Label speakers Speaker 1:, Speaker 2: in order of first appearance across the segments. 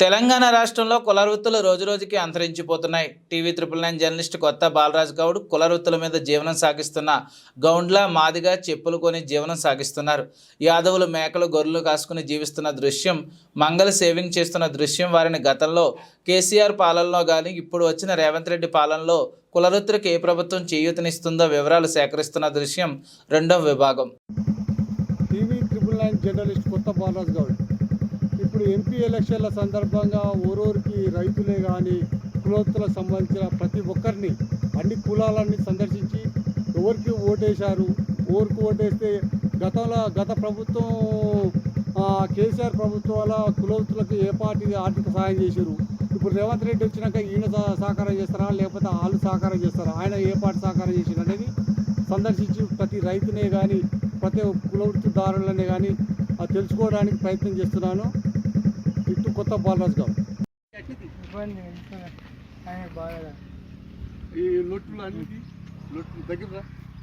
Speaker 1: తెలంగాణ రాష్ట్రంలో కుల వృత్తులు రోజురోజుకి అంతరించిపోతున్నాయి. టీవీ 999 జర్నలిస్ట్ కొత్త బాలరాజ్ గౌడ్ కుల వృత్తుల మీద జీవనం సాగిస్తున్న గౌండ్ల మాదిగా చెప్పులు కొని జీవనం సాగిస్తున్నారు. యాదవులు మేకలు గొర్రెలు కాసుకుని జీవిస్తున్న దృశ్యం, మంగళ సేవింగ్ చేస్తున్న దృశ్యం వారిని గతంలో కేసీఆర్ పాలనలో కానీ ఇప్పుడు వచ్చిన రేవంత్ రెడ్డి పాలనలో కుల వృత్తులకు ఏ ప్రభుత్వం చేయూతనిస్తుందో వివరాలు సేకరిస్తున్న దృశ్యం రెండవ విభాగం.
Speaker 2: టీవీ 999 జర్నలిస్ట్ కొత్త బాలరాజ్ గౌడ్ ఇప్పుడు ఎంపీ ఎలక్షన్ల సందర్భంగా ఊరూరికి రైతులే కానీ కులవృత్తులకు సంబంధించిన ప్రతి ఒక్కరిని అన్ని కులాలన్నీ సందర్శించి ఎవరికి ఓటేశారు, ఊరికి ఓటేస్తే గత ప్రభుత్వం కేసీఆర్ ప్రభుత్వం వల్ల కులవృత్తులకు ఏ పార్టీ ఆర్థిక సహాయం చేశారు. ఇప్పుడు రేవంత్ రెడ్డి వచ్చినాక ఈయన సహకారం చేస్తారా లేకపోతే వాళ్ళు సహకారం చేస్తారా, ఆయన ఏ పార్టీ సహకారం చేశారు అనేది సందర్శించి ప్రతి రైతునే కానీ ప్రతి కులవృత్తిదారులనే కానీ తెలుసుకోవడానికి ప్రయత్నం చేస్తున్నాను. ఇటు కొత్త బాలరాజ్ గౌడ్. ఈ లొట్టులు అన్నిటి లొట్టు దగ్గర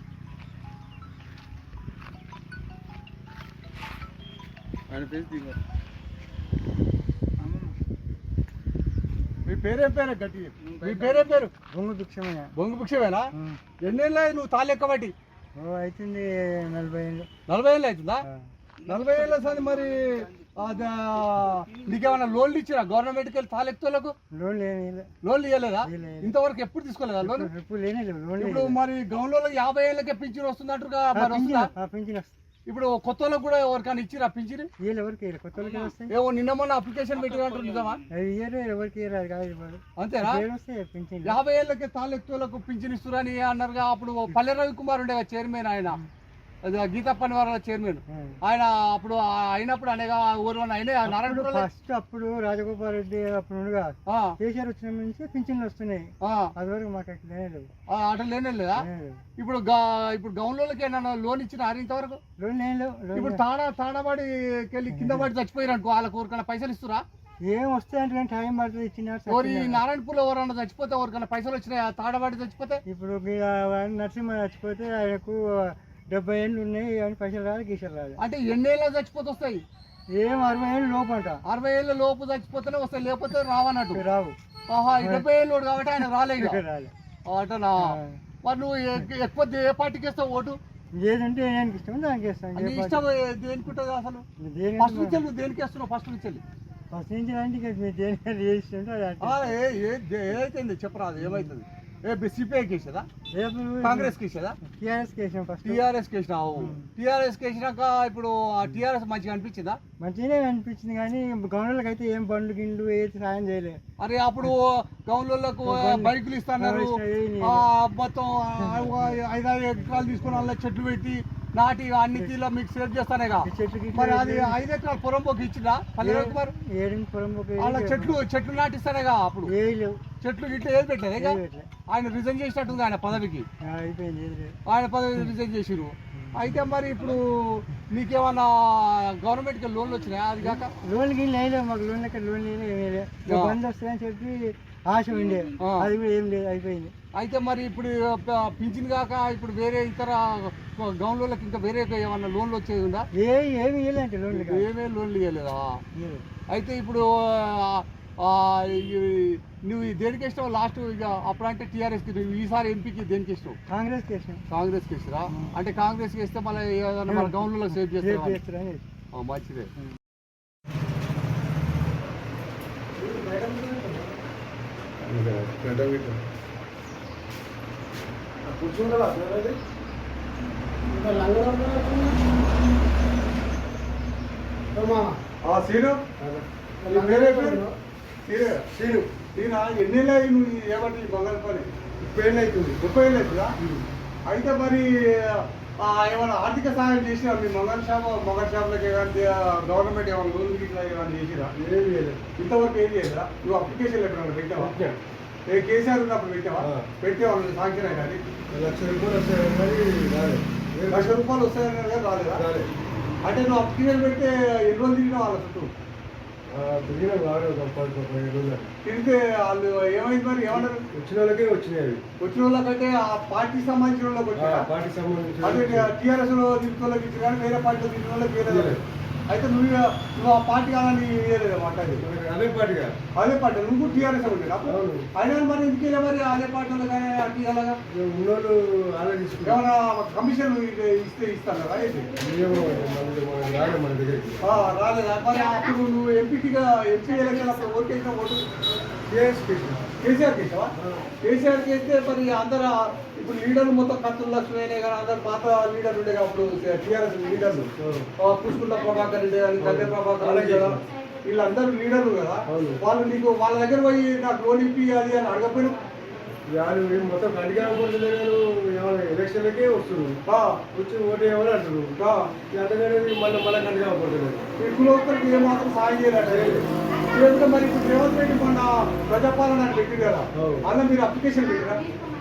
Speaker 2: ఆయన పేరు దిగా. మీ పేరేం పేరు గట్టి? మీ పేరేం పేరు?
Speaker 3: బొంగు భిక్షమేనా?
Speaker 2: బొంగు భిక్షమేనా? ఎన్నేళ్ళు నువ్వు తాళ్ళు ఎక్కబట్టి?
Speaker 3: అవుతుంది 40 ఏళ్ళు.
Speaker 2: 40 ఏళ్ళు అవుతుందా? 40 ఏళ్ళ సార్ మరి నీకేమన్నా లోన్లు ఇచ్చిరా గవర్నమెంట్కి వెళ్ళి తాలెక్తులకు? లోన్లు ఇవ్వలేదా? ఇంతవరకు ఎప్పుడు తీసుకోలేదా లోన్? ఇప్పుడు మరి గౌన్లో 50 ఏళ్ళకే పింఛన్ వస్తుంది అంటారు. ఇప్పుడు కొత్త వాళ్ళకి కూడా ఎవరికైనా ఇచ్చిరా పింఛన్? ఏమో నిన్న మొన్న అప్లికేషన్ పెట్టినట్టు నిజమా? అంతేనా? 50 ఏళ్ళకి తాలెక్తులకు పింఛన్ ఇస్తురని అన్నారుగా. అప్పుడు పల్లె రవికుమార్ ఉండే చైర్మన్, ఆయన గీతప్పని వారి చైర్మన్, ఆయన అప్పుడు అయినప్పుడు అనేగా ఊరు అయినా నారాయణ
Speaker 3: ఫస్ట్ అప్పుడు రాజగోపాల్ రెడ్డి అప్పుడు కేసీఆర్ వచ్చిన నుంచి పింఛన్లు వస్తున్నాయి. అదివరకు మాకు
Speaker 2: అట్లా లేనే లేదా? ఇప్పుడు గౌన్లోకి ఏమన్నా లోన్ ఇచ్చిన ఇంతవరకు?
Speaker 3: లోన్
Speaker 2: ఇప్పుడు తాడబడికి వెళ్ళి కింద పడి చచ్చిపోయారు అనుకో, వాళ్ళకి ఊరికన్నా పైసలు ఇస్తురా?
Speaker 3: ఏం వస్తాయంటే టైం పడుతుంది ఇచ్చిన.
Speaker 2: నారాయణపూర్లో ఎవరన్నా చచ్చిపోతే ఎవరికన్నా పైసలు వచ్చినాయి? తాడబడి చచ్చిపోతే
Speaker 3: ఇప్పుడు నరసింహ చచ్చిపోతే ఆయనకు 70 ఏళ్ళు ఉన్నాయి అని పైసలు రాదు, గీసలు రాదు.
Speaker 2: అంటే ఎన్నేళ్ళ చచ్చిపోతే వస్తాయి?
Speaker 3: ఏం 60 ఏళ్ళు లోపు అంట.
Speaker 2: 60 ఏళ్ళ లోపు చచ్చిపోతేనే వస్తాయి, లేకపోతే రావన్నట్టు.
Speaker 3: రావు.
Speaker 2: 70 ఏళ్ళు కాబట్టి ఆయన రాలేదు అటనా? మరి నువ్వు ఎక్కువ ఏ పార్టీకి వేస్తావు ఓటు?
Speaker 3: ఏదంటే నేను ఇష్టం దానికి వేస్తాను.
Speaker 2: ఇష్టం దేనికి ఉంటుంది అసలు? ఫస్ట్ నుంచి నువ్వు దేనికి వేస్తున్నావు? ఫస్ట్ నుంచి
Speaker 3: ఫస్ట్ నుంచి అంటే దేనికి
Speaker 2: ఏదైతే చెప్పరాదు, ఏమవుతుంది? సిపిఐ కేసేదా? కాంగ్రెస్ కేసేదా?
Speaker 3: టీఆర్ఎస్ కేసాం. ఫస్ట్
Speaker 2: టీఆర్ఎస్ కేసినావు. టీఆర్ఎస్ కేసినాక ఇప్పుడు టీఆర్ఎస్ మంచిగా అనిపించిందా?
Speaker 3: మంచిగానే అనిపించింది, కానీ గవర్నర్లకు అయితే ఏం బండ్లు గిళ్ళు ఏది సాయం చేయలేదు.
Speaker 2: అరే అప్పుడు గవర్నర్లకు బైకులు ఇస్తున్నారు, మొత్తం 5-6 ఎకరాలు తీసుకుని వాళ్ళ చెట్లు పెట్టి నాటి అన్ని తీలో మీకు సేవ్ చేస్తానేగా. మరి అది 5 ఎకరాల పొరంబోకి ఇచ్చిందా పల్లె రవికుమార్? వాళ్ళ చెట్లు నాటిస్తానేగా. అప్పుడు చెట్లు గిట్లు ఏది పెట్టలేదు. ఆయన రిజైన్ చేసినట్టుంది ఆయన పదవికి. ఆయన పదవి రిజైన్ చేసిరు. అయితే మరి ఇప్పుడు నీకేమన్నా గవర్నమెంట్కి లోన్లు వచ్చినాయా? అది కాక
Speaker 3: లోన్ లేదు మాకు. లోన్ బంద్ వస్తాయని చెప్పి ఆశ ఉండే, అది కూడా ఏం లేదు, అయిపోయింది.
Speaker 2: అయితే మరి ఇప్పుడు పింఛన్ కాక ఇప్పుడు వేరే ఇతర గౌన్లోకి ఇంకా వేరే ఏమన్నా లోన్లు వచ్చేది ఉందా?
Speaker 3: ఏమి ఇవ్వలేంటే లోన్లు.
Speaker 2: ఏమేమి లోన్లు ఇవ్వలేదా? అయితే ఇప్పుడు నువ్వు దేనికి ఇష్టం లాస్ట్? ఇక అప్పుడంటే టీఆర్ఎస్కి, ఈసారి ఎంపీకి దేనికి ఇష్టం?
Speaker 3: కాంగ్రెస్కి ఇష్టం.
Speaker 2: కాంగ్రెస్కి ఇస్తారా? అంటే కాంగ్రెస్కి ఇస్తే మళ్ళీ ఏదైనా మన గౌన్లలో సేవ్ చేస్తారా? మంచిదే. ఎన్నేళ్ళు అయ్యి నువ్వు ఏమంటే బంగారు పని? 30 ఏళ్ళు అవుతుంది. 30 ఏళ్ళు అవుతుందా? అయితే మరి ఏమైనా ఆర్థిక సహాయం చేసినా మీ మొగల్ షాపులకి కానీ గవర్నమెంట్ ఏమైనా లోన్ ఇట్లా ఏమైనా చేసిరా? ఏం చేయలేదు ఇంతవరకు. ఏం చేయలేదా? నువ్వు అప్లికేషన్ ఎప్పుడైనా పెట్టావా? కేసీఆర్ ఉన్నప్పుడు పెట్టావా? పెట్టావా? సాంక్షన్ అయినా? 1,00,000 రూపాయలు వస్తాయని రాలేదు. 1,00,000 రూపాయలు వస్తాయని రాలేదా? అంటే నువ్వు అప్లికేషన్ పెడితే ఎన్ని రోజులు తిరిగినా వాళ్ళ చుట్టూ తిరిగినా? తిరిగితే వాళ్ళు ఏమైంది మరి? ఏమన్నారు? వచ్చిన వాళ్ళకే వచ్చినాయి. వచ్చిన వాళ్ళకంటే ఆ పార్టీకి సంబంధించిన వాళ్ళకి వచ్చాయి. పార్టీకి సంబంధించిన టీఆర్ఎస్ లో తిరిగిన వాళ్ళకి ఇచ్చిన కానీ వేరే పార్టీలో తిరిగిన వాళ్ళకి వేరే. అయితే నువ్వు ఆ పార్టీ కాదని వేయలేదు మాట్లాడి
Speaker 4: అదే పార్టీగా
Speaker 2: అదే పార్టీ నువ్వు టీఆర్ఎస్ ఉండేది అప్పుడు అయినా మరి ఎందుకు వెళ్ళా మరి అదే పార్టీలో కానీ అట్టి అలాగా
Speaker 4: ఉన్నోళ్ళు ఆలోచించుకుంటాం
Speaker 2: ఏమైనా కమిషన్ ఇస్తే ఇస్తాను కదా అయితే
Speaker 4: మన దగ్గరికి
Speaker 2: రాలేదా మరి అప్పుడు నువ్వు ఎంపీగా ఎంపీ ఎలక్షన్ అప్పుడు ఓటు వేసిన ఓటు కేసీఆర్ చేసావా కేసీఆర్ చేస్తే మరి అందరు ఇప్పుడు లీడర్లు మొత్తం కత్తులు లక్ష్మీనే కానీ అందరు పాత లీడర్లు ఉండే అప్పుడు టీఆర్ఎస్ లీడర్లు పుష్కుల ప్రభాకర్ రెడ్డి కానీ కళ్యాణ ప్రభాకర్ రెడ్డి కదా వీళ్ళందరూ లీడర్లు కదా వాళ్ళు నీకు వాళ్ళ దగ్గర పోయి నాకు లోన్ ఇప్పి అది అని అడగపోయినా
Speaker 4: వాళ్ళు మొత్తం గట్టిగా అనుకుంటున్నారు ఎలక్షన్లకే వస్తున్నారు వచ్చి ఓటు ఏమని అంటున్నారు అంతగానే మళ్ళీ గట్టిగా అనుకుంటున్నారు
Speaker 2: ఈ కులవృత్తులకు ఏమాత్రం సాయం చేయాలంటే చేస్తే మరి ఇప్పుడు రేవంత్ రెడ్డి మొన్న ప్రజాపాలన అని పెట్టింది కదా అలా మీరు అప్లికేషన్ పెట్టిరా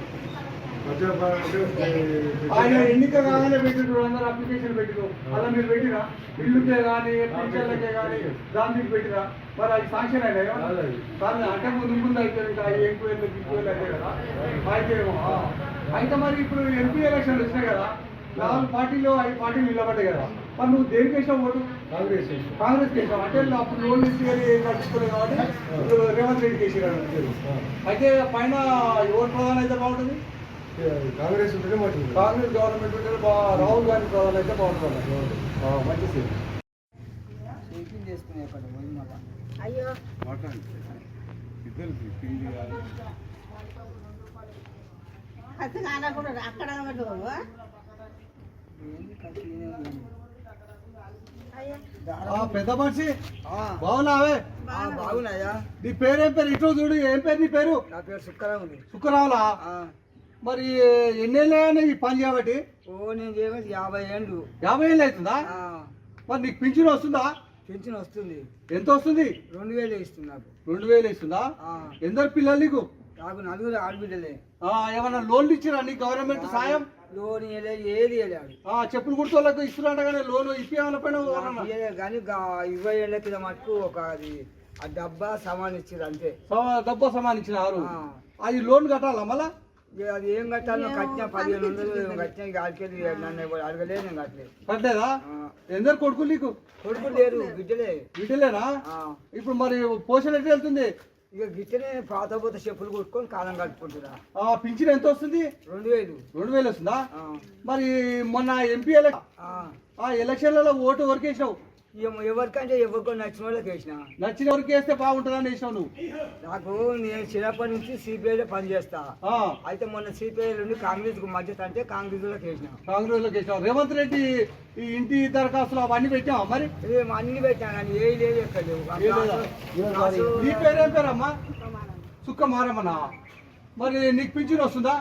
Speaker 2: ఆయన ఎన్నిక కాగానే పెట్టిరు అందరూ అప్లికేషన్ పెట్టిరు అలా మీరు పెట్టిరా ఇల్లుకే కానీ టీచర్లకే కానీ దానికి పెట్టిరా మరి అది శాంక్షన్ అయినా కానీ అంటే ముందు అయిపోయింది ఎక్కువ అయితే కదా అయితే అయితే మరి ఇప్పుడు ఎంపీ ఎలక్షన్లు వచ్చినాయి కదా 4 పార్టీలు 5 పార్టీలు నిలబడ్డాయి కదా మరి నువ్వు దేనికి వేసావు ఓటు కాంగ్రెస్ వేసావు అంటే అప్పుడు లోన్ ఇచ్చి ఏం కట్టుకోలేదు కాబట్టి ఇప్పుడు రేవంత్ రెడ్డికి వేసారు అయితే పైన ఎవరు ప్రధాని అయితే బాగుంటుంది
Speaker 4: కాంగ్రెస్ ఉంటేనే మంచిది
Speaker 2: కాంగ్రెస్ గవర్నమెంట్ ఉంటే రాహుల్ గాంధీ ప్రధాని అయితే బాగుంటుంది మంచిది
Speaker 3: అయ్యో అక్కడ
Speaker 2: పెద్ద మనిషి బాగున్నావే
Speaker 3: బాగున్నాయా
Speaker 2: నీ పేరేం పేరు ఇటు చూడు ఏం పేరు నీ పేరు
Speaker 3: నా పేరు సుక్కరావు
Speaker 2: శుక్రరావులా మరి ఎన్నేళ్ళని ఈ పని చేయబట్టి
Speaker 3: ఓ నేను చేయబట్టి 50 ఏళ్ళు
Speaker 2: 50 ఏళ్ళు అవుతుందా మరి నీకు పింఛన్ వస్తుందా
Speaker 3: పెన్షన్ వస్తుంది
Speaker 2: ఎంత వస్తుంది
Speaker 3: 2000 ఇస్తుంది నాకు
Speaker 2: 2000 ఇస్తుందా ఎందరు పిల్లలు నీకు
Speaker 3: నాకు 4 ఆడబిడ్డలే
Speaker 2: ఏమన్నా లోన్లు ఇచ్చిరా నీ గవర్నమెంట్ సాయం
Speaker 3: లోన్ ఏది వెళ్ళాడు
Speaker 2: చెప్పులు కుర్తోళ్ళకు ఇస్తున్నట్టు కానీ లోన్ ఇప్పేయాల పైన
Speaker 3: కానీ 20 ఏళ్ళ కింద మటుకు ఒక అది ఆ డబ్బా సామాన్ ఇచ్చారు అంతే
Speaker 2: డబ్బా సమానించినారు అది లోన్ కట్టాలా మళ్ళా
Speaker 3: అది ఏం కట్టాలో కట్టినా 1500 కట్టినా గాడికెళ్ళి నన్ను ఎవరు అడగలేదు నేను కట్టలేదు
Speaker 2: కట్టలేదా ఎందరు కొడుకులు నీకు
Speaker 3: కొడుకు లేరు బిడ్డలే
Speaker 2: బిడ్డలేనా ఇప్పుడు మరి పోషణ ఎట్లా వెళ్తుంది
Speaker 3: ఇక గిట్టనే పాత పోత చెప్పులు కొట్టుకొని కాలం కట్టుకుంటున్నా
Speaker 2: పింఛన్ ఎంత వస్తుంది
Speaker 3: 2000
Speaker 2: వస్తుందా మరి మొన్న ఎంపీ ఎలక్షన్లలో ఓటు ఎవరికి వేసినావు
Speaker 3: ఎవరికంటే ఎవరికో నచ్చిన వాళ్ళకి వేసిన
Speaker 2: నచ్చిన ఎవరికి వేస్తే బాగుంటుందని వేసినావు నువ్వు
Speaker 3: నాకు నేను చిన్నప్పటి నుంచి సిపిఐలో పనిచేస్తా అయితే మొన్న సిపిఐ నుండి కాంగ్రెస్ కు మధ్యత అంటే కాంగ్రెస్ లోకి వేసిన
Speaker 2: కాంగ్రెస్ లోకి వేసినావు రేవంత్ రెడ్డి ఈ ఇంటి దరఖాస్తులు అవన్నీ పెట్టావా మరి
Speaker 3: అన్ని పెట్టాను కానీ ఏ లేదు ఎక్కడ లేవు
Speaker 2: నీ పేరేం పేరమ్మా సుక్క మారమ్మనా మరి నీకు పింఛన్ వస్తుందా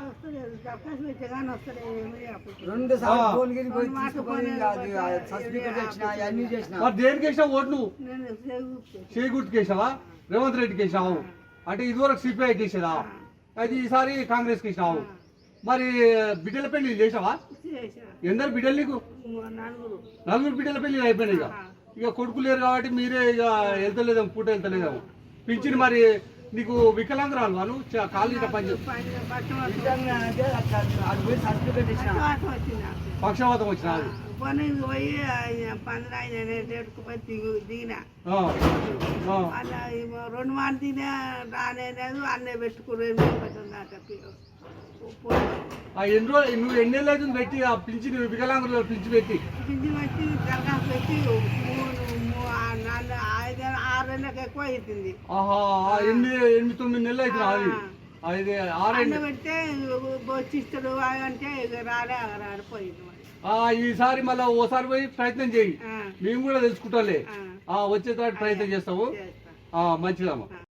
Speaker 3: 2 సార్లు ఫోన్ గిరి పోయి తీసుకొని సర్టిఫికెట్ ఇచ్చిన అన్ని చేసిన
Speaker 2: మరి దేనికి వేసావు ఓటు నువ్వు చేకూర్తికి వేసావా రేవంత్ రెడ్డికి వేసావు అంటే ఇదివరకు సిపిఐకి వేసేదా అయితే ఈసారి కాంగ్రెస్కి వేసినావు మరి బిడ్డల పెళ్లి చేసావా ఎందరు బిడ్డలు నీకు 4 బిడ్డల పెళ్లి అయిపోయినాయి ఇక కొడుకు లేరు కాబట్టి మీరే ఇక వెళ్తలేదేమో పూట వెళ్తలేదేమో పింఛన్ మరి నీకు వికలాంగురాలు వాళ్ళు కాలు ఇట్లా పని
Speaker 3: సర్టిఫికెట్ ఇచ్చిన
Speaker 2: పక్షవాతం వచ్చిన
Speaker 5: పోయి 15 దిగిన అలా 2 మార్లు దిగినా రానేలేదు అన్నీ పెట్టుకుని
Speaker 2: ఎన్ని రోజులు నువ్వు ఎన్నేళ్ళు అవుతుంది పెట్టి ఆ పింఛన్ వికలాంగులు పింఛన్ పెట్టి
Speaker 5: పింఛన్ పెట్టి దరఖాస్తు పెట్టి 6 నెలలకు ఎక్కువ అవుతుంది
Speaker 2: 8-9 నెలలు అవుతుంది అది 6
Speaker 5: పెడితే వచ్చిస్తాడు అంటే రాడిపోయింది
Speaker 2: ఈసారి మళ్ళీ ఓసారి పోయి ప్రయత్నం చేయి మేము కూడా తెలుసుకుంటాలే వచ్చేటట్టు ప్రయత్నం చేస్తాము మంచిదమ్మా.